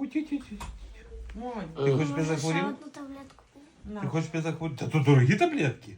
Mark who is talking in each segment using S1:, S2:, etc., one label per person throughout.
S1: Ти хочеш би захворів?
S2: Одну таблетку.
S1: Ти хочеш би захворів? Та то дорогі таблетки.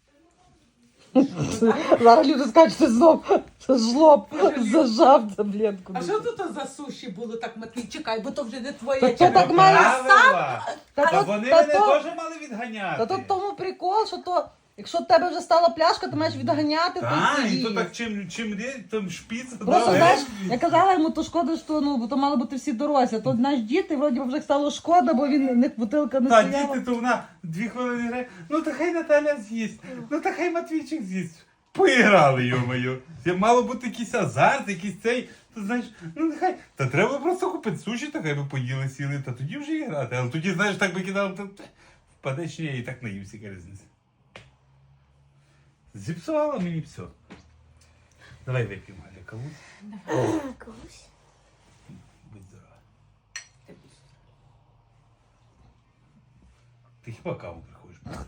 S3: Зараз люди скажуть, що знов жлоб зажав таблетку.
S4: А що тут за суші було так, Матвій? Чекай, бо то вже не твоє.
S3: Та то так має
S1: Правила. Та
S3: тут-
S1: вони
S3: та
S1: мене
S3: то-
S1: теж мали відганяти.
S3: Та тут тому прикол, що то, якщо в тебе вже стала пляшка, ти маєш відганяти,
S1: Так,
S3: то
S1: і то
S3: її.
S1: так чим там шпіц.
S3: Просто, знаєш, я казала йому, то шкода, що бо то мали бути всі дорослі. А то наш діти, вроді вже стало шкода, бо він в них бутилка не
S1: Та
S3: стояла.
S1: діти, то вона 2 хвилини грає. Ну та хай Наталя з'їсть, ну та хай Матвійчик з'їсть. Поіграли, йо-моє. Мало бути якийсь азарт, якийсь цей, то знаєш, ну нехай. Та треба просто купити суші, та хай би поїли, сіли, та тоді вже і грати. Але тоді, знаєш, так би кидали, то впадеш, ні, я і так наївся, яка різниця. Зіпсувала мені все. Давай вип'ємо, Галя, каву.
S2: Когось.
S1: Будь здорова. Ти хіба каву приходиш?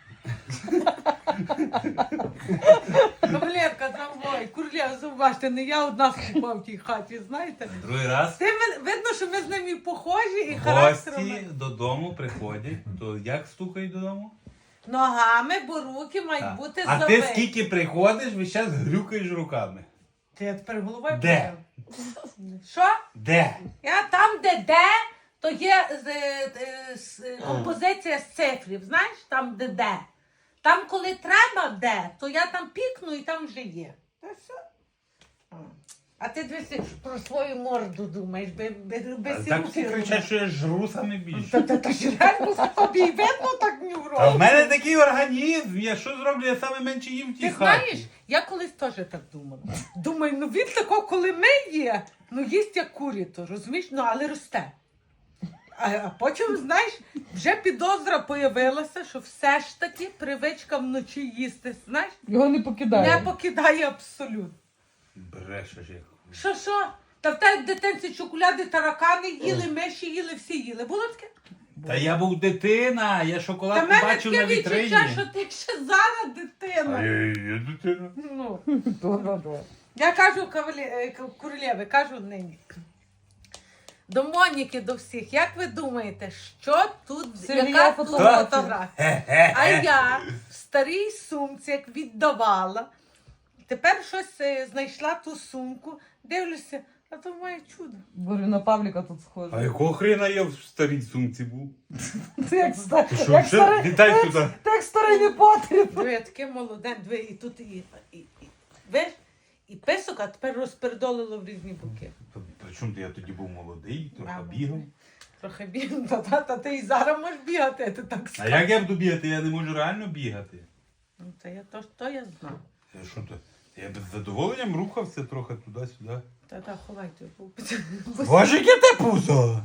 S4: Кавалерка, трамвай, курлєв, зубачте, не я одна співав в тій хаті, знаєте?
S1: Другий раз.
S4: Видно, що ми з ними похожі і характером.
S1: Гості додому приходять, то як стукають додому?
S4: Ногами, бо руки мають
S1: Так.
S4: бути
S1: А
S4: завиті.
S1: ти скільки приходиш, весь час грюкаєш руками.
S4: Ти я тепер головою
S1: Де?
S4: подав. Що?
S1: Де?
S4: Я там, де, то є композиція з цифрів, знаєш, там, де. Там, коли треба, де, то я там пікну і там вже є. Та все. А ти дивись про свою морду думаєш, без
S1: Так всі кричать, що я жру саме більше.
S4: Та ж реально тобі й видно так не в
S1: А в мене такий організм, я що зроблю, я саме менше їм в тій
S4: Ти
S1: хаті.
S4: знаєш, я колись теж так думала. Думаю, ну він такого, коли ми є, ну їсть як куріто, розумієш, ну але росте. А потім, знаєш, вже підозра появилася, що все ж таки привичка вночі їсти, знаєш,
S3: Його не покидає.
S4: не покидає абсолютно.
S1: Брешеш як.
S4: Що? Та в тебе дитинці чоколяди, таракани їли, миші їли, всі їли. Було таке?
S1: Та я був дитина, я
S4: Та
S1: шоколад
S4: в мене
S1: побачив на
S4: таке
S1: вітрині.
S4: відчуття, що ти ще зараз
S1: А
S4: дитина.
S1: я дитина.
S4: Ну.
S3: То.
S4: Я кажу королєви, кажу нині. До Моніки, до всіх. Як ви думаєте, що тут,
S3: Сергія
S4: яка тут
S3: фотографія.
S4: фотографія? А я в старій сумці, як віддавала, тепер щось знайшла ту сумку, дивлюся, а то моє чудо.
S3: Говорю, на Павліка тут
S1: А
S3: схоже.
S1: якого хрена я в старій сумці був?
S3: Ти як
S1: Ти що,
S3: як
S1: вже?
S3: старий,
S1: Вітай туди.
S3: ти як старий не потріб.
S4: Диви, я таке молоде, диви, і тут виш, і писок, а тепер розпередолило в різні боки.
S1: Причому я тоді був молодий, трохи
S4: Ага.
S1: бігав.
S4: Трохи бігну, та ти і зараз можеш бігати, ти так
S1: А
S4: скажеш.
S1: як я буду бігати? Я не можу реально бігати.
S4: Ну, та я то я знаю.
S1: Я що то? Я без задоволенням рухався трохи туди-сюди.
S4: Та ховайте.
S1: Боже, яке те пузо!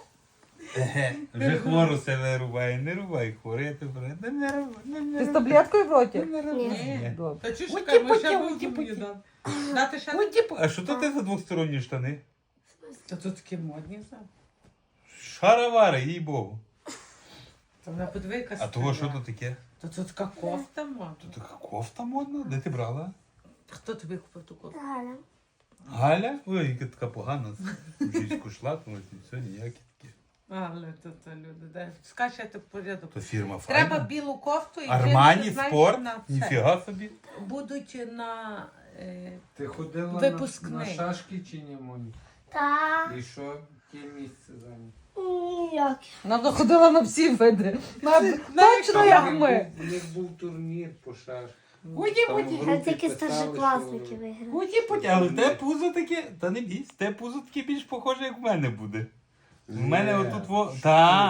S1: Вже хвору себе рубає. Не рубай хвору, я тебе не рубай.
S3: Ти з таблеткою в роті?
S4: Ні.
S3: Добре.
S4: Та чуєш,
S3: Уйди,
S4: чекай, ми
S3: путі,
S4: ще
S3: уйди,
S4: будемо
S3: путі.
S4: дати. Дати ще?
S1: А що то ти за двосторонні штани?
S4: Та тут такі модні, знаєш.
S1: Шаровари, їй богу.
S4: Та вона подиви, яка
S1: А того що
S4: стара.
S1: то таке?
S4: Та тут така кофта модна.
S1: То така кофта модна? Де ти брала?
S4: Хто тобі купив ту кофту?
S2: Галя.
S1: Галя? Ой, яка така погана. Жінську шлапнулась і все, ніякі такі.
S4: Але тут люди, де. Скажи, я так порядок.
S1: То фірма файна.
S4: Треба білу кофту і
S1: Армані,
S4: джинси, знаєш,
S1: спорт,
S4: на це.
S1: ніфіга собі.
S4: Будуть на...
S5: Ти ходила
S4: Випускний.
S5: на шашки чи ні, Моні?
S2: Та.
S5: І що яке місце зайняв?
S2: Ніяк.
S3: Вона заходила на всі види. Точно як ми.
S5: У них був турнір по шашках.
S1: Годі,
S5: Там
S1: годі.
S5: в
S2: А
S5: групі
S2: тільки
S5: писали,
S2: старшокласники
S5: що-
S2: виграли.
S1: Годі, годі. Але те пузо таке, та не бійся, те пузо таке більш похоже, як в мене буде. В мене
S5: Ні.
S1: отут во... Та.